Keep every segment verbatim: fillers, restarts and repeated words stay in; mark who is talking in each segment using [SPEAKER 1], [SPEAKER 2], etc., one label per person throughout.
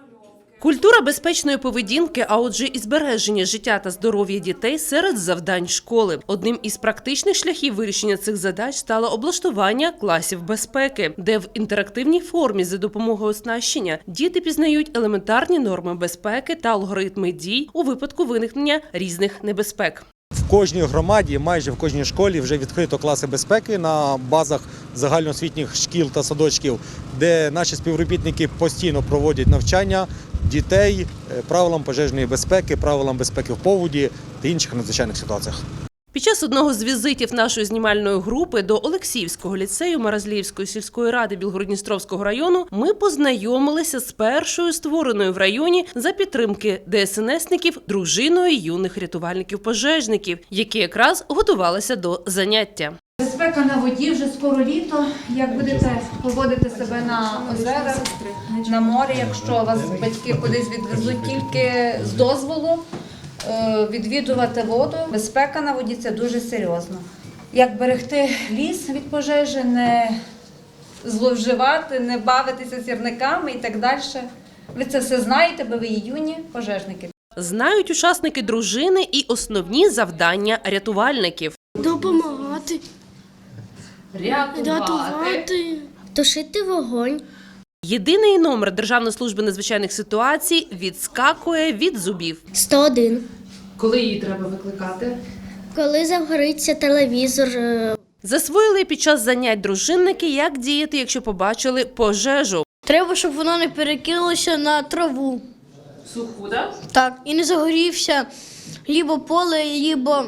[SPEAKER 1] Культура безпечної поведінки, а отже і збереження життя та здоров'я дітей серед завдань школи. Одним із практичних шляхів вирішення цих задач стало облаштування класів безпеки, де в інтерактивній формі за допомогою оснащення діти пізнають елементарні норми безпеки та алгоритми дій у випадку виникнення різних небезпек.
[SPEAKER 2] В кожній громаді, майже в кожній школі вже відкрито класи безпеки на базах загальноосвітніх шкіл та садочків, де наші співробітники постійно проводять навчання дітей правилам пожежної безпеки, правилам безпеки в поводі та інших надзвичайних ситуаціях.
[SPEAKER 1] Під час одного з візитів нашої знімальної групи до Олексіївського ліцею Маразліївської сільської ради Білгород-Дністровського району ми познайомилися з першою створеною в районі за підтримки де ес ен есників дружиною юних рятувальників-пожежників, які якраз готувалися до заняття.
[SPEAKER 3] Безпека на воді, вже скоро літо. Як будете поводити себе на озерах, на морі, якщо вас батьки кудись відвезуть тільки з дозволу, відвідувати воду. Безпека на воді – це дуже серйозно. Як берегти ліс від пожежі, не зловживати, не бавитися сірниками і так далі. Ви це все знаєте, бо ви є юні пожежники.
[SPEAKER 1] Знають учасники дружини і основні завдання рятувальників.
[SPEAKER 4] Допомагати,
[SPEAKER 1] Рятувати.
[SPEAKER 4] рятувати, тушити вогонь.
[SPEAKER 1] Єдиний номер Державної служби надзвичайних ситуацій відскакує від зубів.
[SPEAKER 4] сто один.
[SPEAKER 1] Коли її треба викликати?
[SPEAKER 4] Коли загориться телевізор.
[SPEAKER 1] Засвоїли під час занять дружинники, як діяти, якщо побачили пожежу.
[SPEAKER 4] Треба, щоб воно не перекинулося на траву.
[SPEAKER 1] Суху, так?
[SPEAKER 4] Так, і не загорівся лібо поле, лібо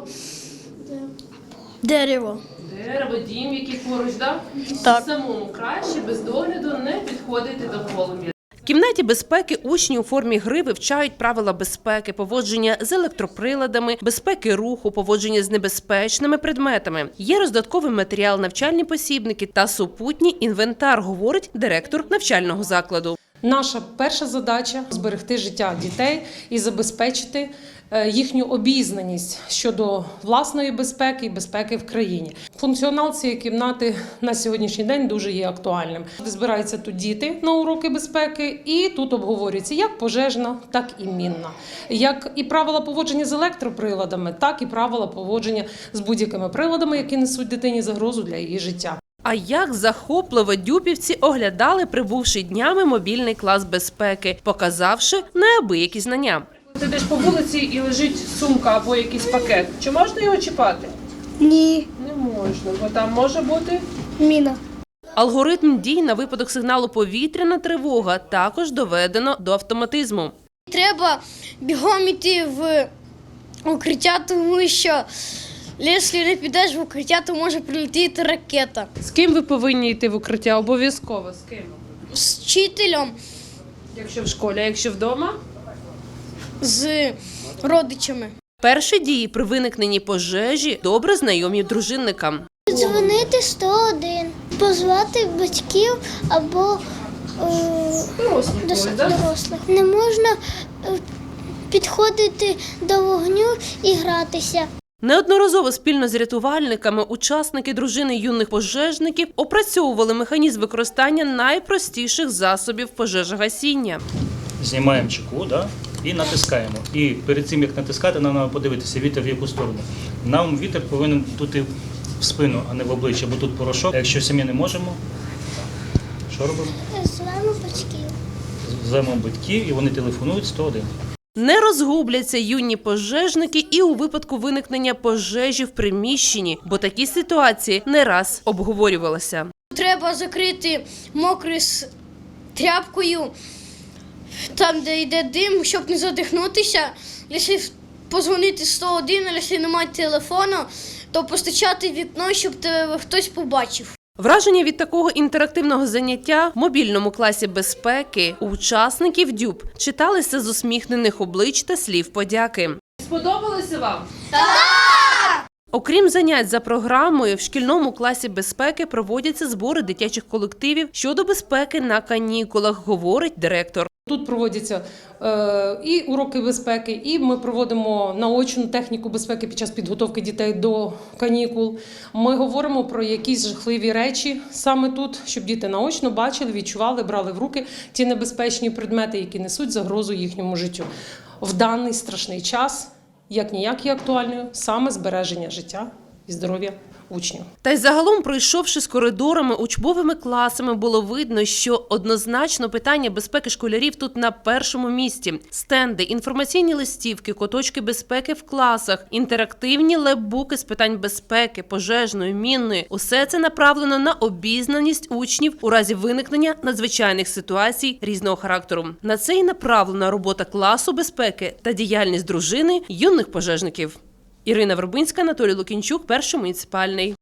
[SPEAKER 4] дерево.
[SPEAKER 1] Дерево, дім, який поруч, так?
[SPEAKER 4] Так.
[SPEAKER 1] Самому краще без догляду не підходити до полум'я. В кімнаті безпеки учні у формі гри вивчають правила безпеки, поводження з електроприладами, безпеки руху, поводження з небезпечними предметами. Є роздатковий матеріал, навчальні посібники та супутній інвентар, говорить директор навчального закладу.
[SPEAKER 5] Наша перша задача – зберегти життя дітей і забезпечити їхню обізнаність щодо власної безпеки і безпеки в країні. Функціонал цієї кімнати на сьогоднішній день дуже є актуальним. Збираються тут діти на уроки безпеки, і тут обговорюється як пожежна, так і мінна. Як і правила поводження з електроприладами, так і правила поводження з будь-якими приладами, які несуть дитині загрозу для її життя.
[SPEAKER 1] А як захопливо дюпівці оглядали прибувши днями мобільний клас безпеки, показавши неабиякі знання.
[SPEAKER 6] Ти йдеш по вулиці і лежить сумка або якийсь пакет. Чи можна його чіпати?
[SPEAKER 4] Ні.
[SPEAKER 6] Не можна, бо там може бути...
[SPEAKER 4] Міна.
[SPEAKER 1] Алгоритм дій на випадок сигналу «повітряна тривога» також доведено до автоматизму.
[SPEAKER 4] Треба бігом йти в укриття, тому що якщо не підеш в укриття, то може прилетіти ракета.
[SPEAKER 6] З ким ви повинні йти в укриття? Обов'язково. З ким?
[SPEAKER 4] З вчителем,
[SPEAKER 6] Якщо в школі, а якщо вдома?
[SPEAKER 4] з родичами.
[SPEAKER 1] Перші дії при виникненні пожежі добре знайомі дружинникам.
[SPEAKER 7] Дзвонити сто один, позвати батьків або е,
[SPEAKER 6] Дорослих
[SPEAKER 7] дос-
[SPEAKER 6] когось, да?
[SPEAKER 7] дорослих. Не можна е, підходити до вогню і гратися.
[SPEAKER 1] Неодноразово спільно з рятувальниками учасники дружини юних пожежників опрацьовували механізм використання найпростіших засобів пожежогасіння.
[SPEAKER 8] Знімаємо чеку, да, і натискаємо. І перед цим, як натискати, нам треба подивитися, вітер в яку сторону. Нам вітер повинен дути в спину, а не в обличчя, бо тут порошок. А якщо самі не можемо, що робимо?
[SPEAKER 7] Звемо батьків.
[SPEAKER 8] Звемо батьків і вони телефонують сто один.
[SPEAKER 1] Не розгубляться юні пожежники і у випадку виникнення пожежі в приміщенні, бо такі ситуації не раз обговорювалися.
[SPEAKER 4] Треба закрити мокрою с- тряпкою, там, де йде дим, щоб не задихнутися. Якщо позвонити сто один, а якщо немає телефону, то постачати в вікно, щоб тебе хтось побачив.
[SPEAKER 1] Враження від такого інтерактивного заняття в мобільному класі безпеки у учасників ДЮБ читалися з усміхнених облич та слів подяки.
[SPEAKER 6] Сподобалося вам?
[SPEAKER 1] Окрім занять за програмою, в шкільному класі безпеки проводяться збори дитячих колективів щодо безпеки на канікулах, говорить директор.
[SPEAKER 5] Тут проводяться е, і уроки безпеки, і ми проводимо наочну техніку безпеки під час підготовки дітей до канікул. Ми говоримо про якісь жахливі речі саме тут, щоб діти наочно бачили, відчували, брали в руки ті небезпечні предмети, які несуть загрозу їхньому життю. В даний страшний час, як ніяк є актуальною, саме збереження життя і здоров'я учнів.
[SPEAKER 1] Та й загалом, пройшовши з коридорами, учбовими класами, було видно, що однозначно питання безпеки школярів тут на першому місці. Стенди, інформаційні листівки, куточки безпеки в класах, інтерактивні лепбуки з питань безпеки, пожежної, мінної – усе це направлено на обізнаність учнів у разі виникнення надзвичайних ситуацій різного характеру. На це і направлена робота класу безпеки та діяльність дружини юних пожежників. Ірина Вербинська, Анатолій Лукінчук, Перший муніципальний.